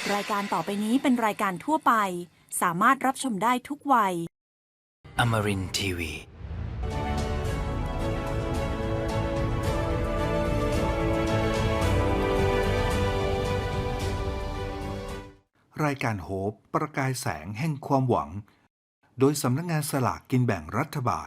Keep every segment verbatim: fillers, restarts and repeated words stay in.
รายการต่อไปนี้เป็นรายการทั่วไปสามารถรับชมได้ทุกวัย Amarin ที วีรายการโฮปประกายแสงแห่งความหวังโดยสำนักงานสลากกินแบ่งรัฐบาล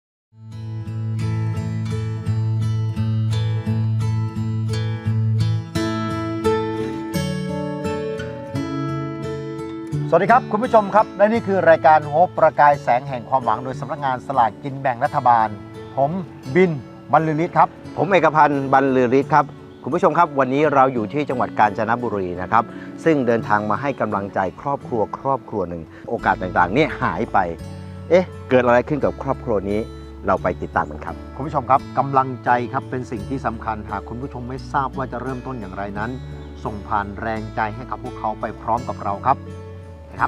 สวัสดีครับคุณผู้ชมครับและนี่คือรายการโฮปประกายแสงแห่งความหวังโดยสำนักงานสลากกินแบ่งรัฐบาลผมบินบรรลือฤทธิ์ครับผมเอกพันธ์บรรลือฤทธิ์ครับคุณผู้ชมครับวันนี้เราอยู่ที่จังหวัดกาญจนบุรีนะครับซึ่งเดินทางมาให้กำลังใจครอบครัวครอบครัวหนึ่งโอกาสต่างๆเนี่ยหายไปเอ๊ะเกิดอะไรขึ้นกับครอบครัวนี้เราไปติดตามกันครับคุณผู้ชมครับกำลังใจครับเป็นสิ่งที่สำคัญหากคุณผู้ชมไม่ทราบว่าจะเริ่มต้นอย่างไรนั้นส่งผ่านแรงใจให้กับพวกเขาไปพร้อมกับเราครับนะครับ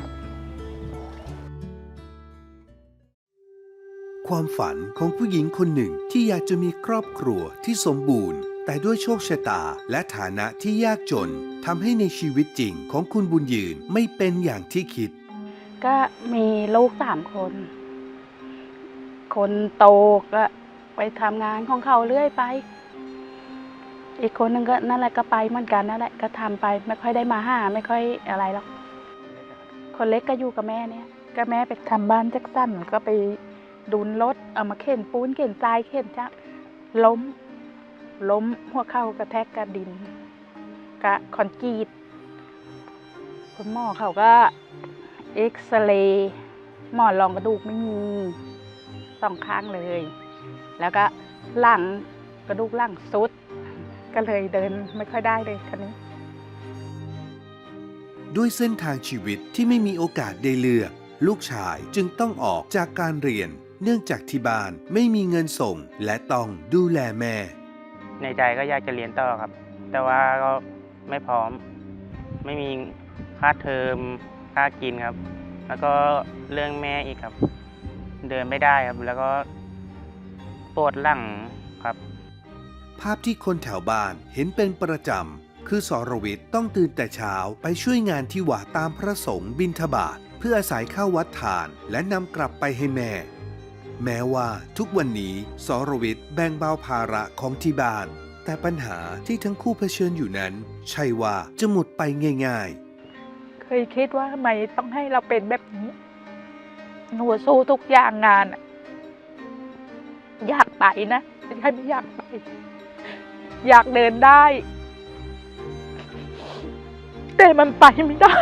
ความฝันของผู้หญิงคนหนึ่งที่อยากจะมีครอบครัวที่สมบูรณ์แต่ด้วยโชคชะตาและฐานะที่ยากจนทำให้ในชีวิตจริงของคุณบุญยืนไม่เป็นอย่างที่คิดก็มีลูกสามคน คนโตก็ไปทำงานของเขาเรื่อยไปอีกคนนึงก็นั่นแหละก็ไปเหมือนกันนั่นแหละก็ทำไปไม่ค่อยได้มาหาไม่ค่อยอะไรหรอกคนเล็กก็อยู่กับแม่เนี่ยก็แม่ไปทำบ้านแจ็คสันก็ไปดุนรถเอามาเข็นปูนเข็นทรายเข็นจักล้มล้มหัวเข่ากระแทกกระดินกะคอนกรีตคุณหมอเขาก็เอ็กซเรย์หมอนรองกระดูกไม่มีสองข้างเลยแล้วก็หลังกระดูกหลังสุดก็เลยเดินไม่ค่อยได้เลยคันนี้ด้วยเส้นทางชีวิตที่ไม่มีโอกาสได้เลือกลูกชายจึงต้องออกจากการเรียนเนื่องจากที่บ้านไม่มีเงินส่งและต้องดูแลแม่ในใจก็อยากจะเรียนต่อครับแต่ว่าก็ไม่พร้อมไม่มีค่าเทอมค่ากินครับแล้วก็เรื่องแม่อีกครับเดินไม่ได้ครับแล้วก็ปวดหลังครับภาพที่คนแถวบ้านเห็นเป็นประจำคือสรวิทย์ต้องตื่นแต่เช้าไปช่วยงานที่วัดตามพระสงฆ์บิณฑบาตเพื่ออาศัยข้าววัดทานและนำกลับไปให้แม่แม้ว่าทุกวันนี้สรวิทย์แบ่งเบาภาระของที่บ้านแต่ปัญหาที่ทั้งคู่เผชิญอยู่นั้นใช่ว่าจะหมดไปง่ายๆเคยคิดว่าทำไมต้องให้เราเป็นแบบนี้หนูสู้ทุกอย่างงานอยากไปนะไม่ใช่ไม่อยากไปอยากเดินได้แต่มันไปไม่ได้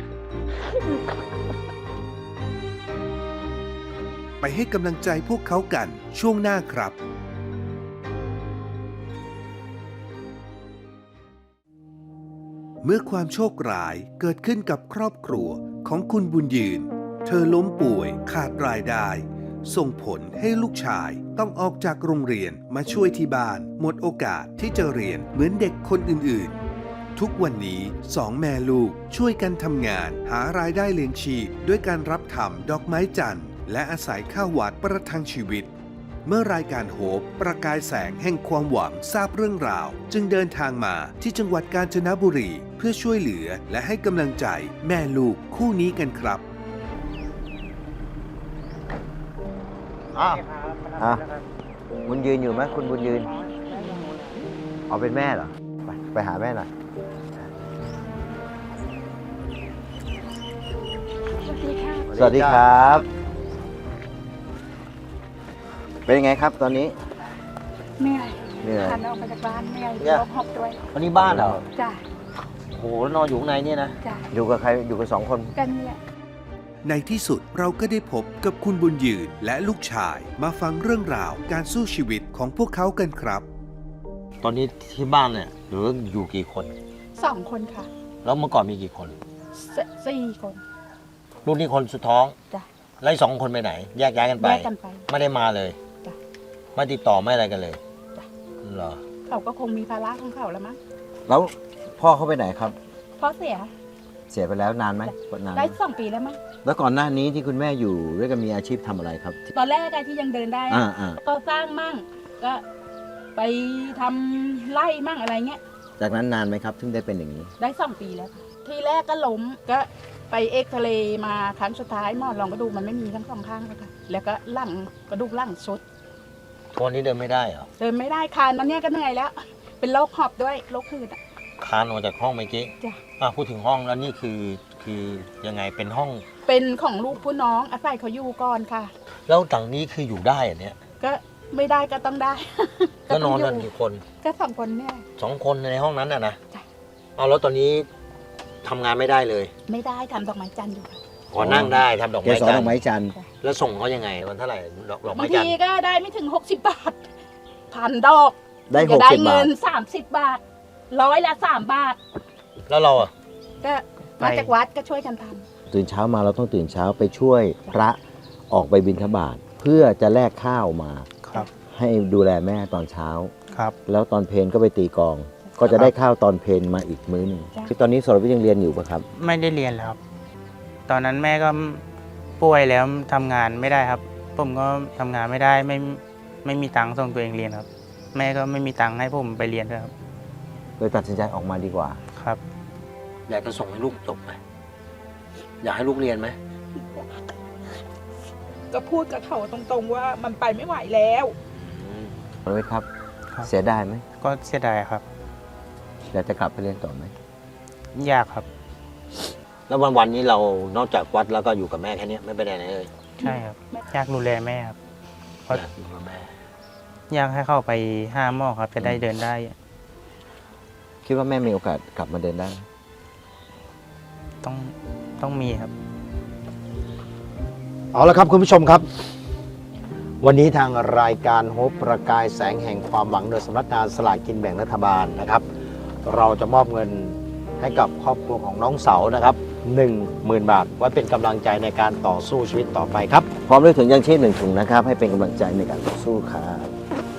ไปให้กำลังใจพวกเขากันช่วงหน้าครับเมื่อความโชคร้ายเกิดขึ้นกับครอบครัวของคุณบุญยืนเธอล้มป่วยขาดรายได้ส่งผลให้ลูกชายต้องออกจากโรงเรียนมาช่วยที่บ้านหมดโอกาสที่จะเรียนเหมือนเด็กคนอื่นๆทุกวันนี้สองแม่ลูกช่วยกันทำงานหารายได้เลี้ยงชีพด้วยการรับทำดอกไม้จันทร์และอาศัยข้าววัดประทังชีวิตเมื่อรายการโฮปประกายแสงแห่งความหวังทราบเรื่องราวจึงเดินทางมาที่จังหวัดกาญจนบุรีเพื่อช่วยเหลือและให้กำลังใจแม่ลูกคู่นี้กันครับอ้าวอ่ะบุญยืนอยู่ไหมคุณบุญยืนเอาเป็นแม่เหรอไปไปหาแม่หน่อยสวัสดีครับเป็นยังไงครับตอนนี้เหนื่อยเหนื่อยพาน้องมาจากบ้านเหนื่อยลบหกด้วยวันนี้บ้านเหรอจ้ะโอ้โหนอนอยู่ข้างในเนี่ยนะจ้ะอยู่กับใครอยู่กับสองคนกันเนี่ยในที่สุดเราก็ได้พบกับคุณบุญยืนและลูกชายมาฟังเรื่องราวการสู้ชีวิตของพวกเขากันครับตอนนี้ที่บ้านเนี่ยหรืออยู่กี่คนสองคนค่ะแล้วเมื่อก่อนมีกี่คนสี่คนลูกนี่คนสุดท้องจ้ะไล่สองคนไปไหนแยกย้ายกันไปแยกกันไปไม่ได้มาเลยจ้ะไม่ติดต่อไม่อะไรกันเลยจ้ะเหรอเขาก็คงมีภาระของเขาแล้วมั้งแล้วพ่อเขาไปไหนครับพ่อเสียเสียไปแล้วนานไหมนานได้สองปีแล้วมั้งแล้วก่อนหน้านี้ที่คุณแม่อยู่ด้วยกันมีอาชีพทำอะไรครับตอนแรกที่ยังเดินได้ก็สร้างมั่งก็ไปทำไร่มั่งอะไรเงี้ยจากนั้นนานไหมครับถึงได้เป็นอย่างนี้ได้สองปีแล้วที่แรกก็ล้มก็ไปเอ็กซเรย์มาครั้งสุดท้ายหมอลองกระดูกมันไม่มีทั้งสองข้างเลยค่ะแล้วก็หลังกระดูกหลังสุดทุกวันนี้เดินไม่ได้เหรอเดินไม่ได้คานมันเนี่ยก็เหนื่อยแล้ว เป็นโรคหอบด้วยโรคหืดอ่ะคานออกจากห้องเมื่อกี้จ้ะอ่ะพูดถึงห้องแล้วนี่คือคือยังไงเป็นห้องเป็นของลูกผู้น้องอาศัยเขาอยู่ก่อนค่ะแล้วต่างนี้คืออยู่ได้เหรอเนี่ยก็ไม่ได้ก็ต้องได้ก็นอนต้กังนยู่กี่คนก็สองคนเนี่ยสองคนในห้องนั้นน่ะนะจ้ะเอาแล้วตอนนี้ทำงานไม่ได้เลยไม่ได้ทำดอกไม้จันทร์อยู่ค่ะขอนั่งได้ทำดอกเกไม้สรจัดนอกไม้ทร์จันทร์แล้วส่งเขายังไงวันเท่าไหร่ดอกดอกบาไม้งจันททีร์ก็ได้ไม่ถึงหกสิบบาทพันดอกได้หจะกได้สิบบาเงิทนสามสิบบาทร้อยละสามบาทแล้วเราอ่ะก็มาจากวัดก็ช่วยกันทตื่นเช้ามาเราต้องตื่นเช้าไปช่วยพระออกไปบิณฑบาตเพื่อจะแลกข้าวมาครับให้ดูแลแม่ตอนเช้าครับแล้วตอนเพลก็ไปตีกลอง ก็จะได้ข้าวตอนเพลมาอีกมื้อหนึ่งคือตอนนี้สรวิทย์ยังเรียนอยู่ปะครับไม่ได้เรียนแล้วครับ ตอนนั้นแม่ก็ป่วยแล้วทำงานไม่ได้ครับ ผมก็ทำงานไม่ได้ไม่ไม่มีตังค์ส่งตัวเองเรียนครับ แม่ก็ไม่มีตังค์ให้ผมไปเรียนด้วยครับเลยตัดสินใจออกมาดีกว่าครับอยากจะส่งให้ลูกจบไหมอยากให้ลูกเรียนไหมำก็พูดกับเขาตรงๆว่ามันไปไม่ไหวแล้วสรวิทย์ครับครับเสียดายไหมก็เสียดายครับอยากจะกลับไปเรียนต่อไหมยากครับแล้ววันวันๆนี้เรานอกจากวัดแล้วก็อยู่กับแม่แค่เนี้ยไม่ไปไหนเลยใช่ครับ อยากดูแลแม่ครับ เพราะอยากอยู่กับแม่อยากให้เข้าไปห้าหมอครับ จะได้เดินได้คิดว่าแม่มีโอกาสกลับมาเดินได้ไหมต้องต้องมีครับเอาละครับคุณผู้ชมครับ วันนี้ทางรายการโฮปประกายแสงแห่งความหวังโดยสำนักงานสลากกินแบ่งรัฐบาลนะครับ เราจะมอบเงินให้กับครอบครัวของน้องเสานะครับหนึ่งหมื่นบาทไว้เป็นกำลังใจในการต่อสู้ชีวิตต่อไปครับ พร้อมด้วยถุงยางชีพหนึ่งถุงนะครับ ให้เป็นกำลังใจในการต่อสู้ครับ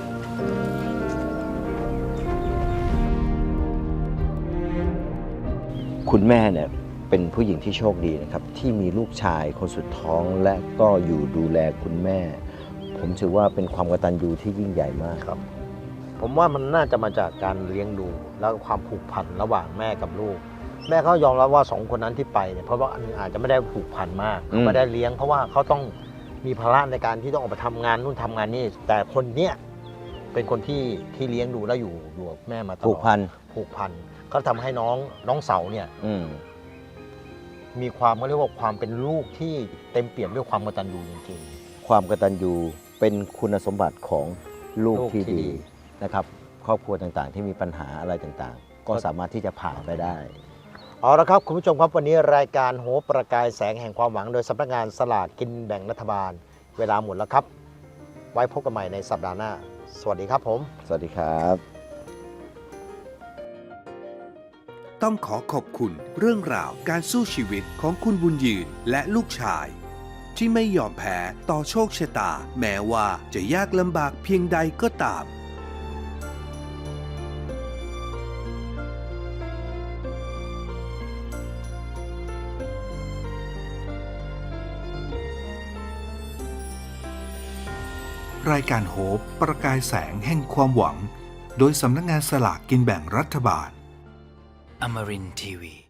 คุณแม่เนี่ยเป็นผู้หญิงที่โชคดีนะครับ ที่มีลูกชายคนสุดท้องและก็อยู่ดูแลคุณแม่ ผมถือว่าเป็นความกตัญญูที่ยิ่งใหญ่มากครับ ผมว่ามันน่าจะมาจากการเลี้ยงดูแล้วก็ความผูกพันระหว่างแม่กับลูก แม่เขายอมรับว่าสองคนนั้นที่ไปเนี่ยเพราะว่าอันนึงอาจจะไม่ได้ผูกพันมากอืมไม่ได้เลี้ยงเพราะว่าเขาต้องมีภาระในการที่ต้องออกไปทำงานนู่นทำงานนี่แต่คนเนี้ยเป็นคนที่ที่เลี้ยงดูและอยู่อยู่กับแม่มาตลอดผูกพันผูกพันก็ทำให้น้องน้องเสาเนี่ยอืมมีความเขาเรียกว่าความเป็นลูกที่เต็มเปี่ยมด้วยความกตัญญูจริงความกตัญญูเป็นคุณสมบัติของลูกลูกที่ที่ดีดีนะครับ ครอบครัวต่างๆ ที่มีปัญหาอะไรต่างๆ ก็สามารถที่จะผ่านไปได้ๆเอาละครับคุณผู้ชมครับวันนี้รายการโหประกายแสงแห่งความหวังโดยสำนักงานสลากกินแบ่งรัฐบาล เวลาหมดแล้วครับ ไว้พบกันใหม่ในสัปดาห์หน้า สวัสดีครับผมสวัสดีครับต้องขอขอบคุณเรื่องราวการสู้ชีวิตของคุณบุญยืนและลูกชาย ที่ไม่ยอมแพ้ต่อโชคชะตา แม้ว่าจะยากลำบากเพียงใดก็ตาม รายการโฮปประกายแสงแห่งความหวัง โดยสำนักงานสลากกินแบ่งรัฐบาล Amarin Tiwi.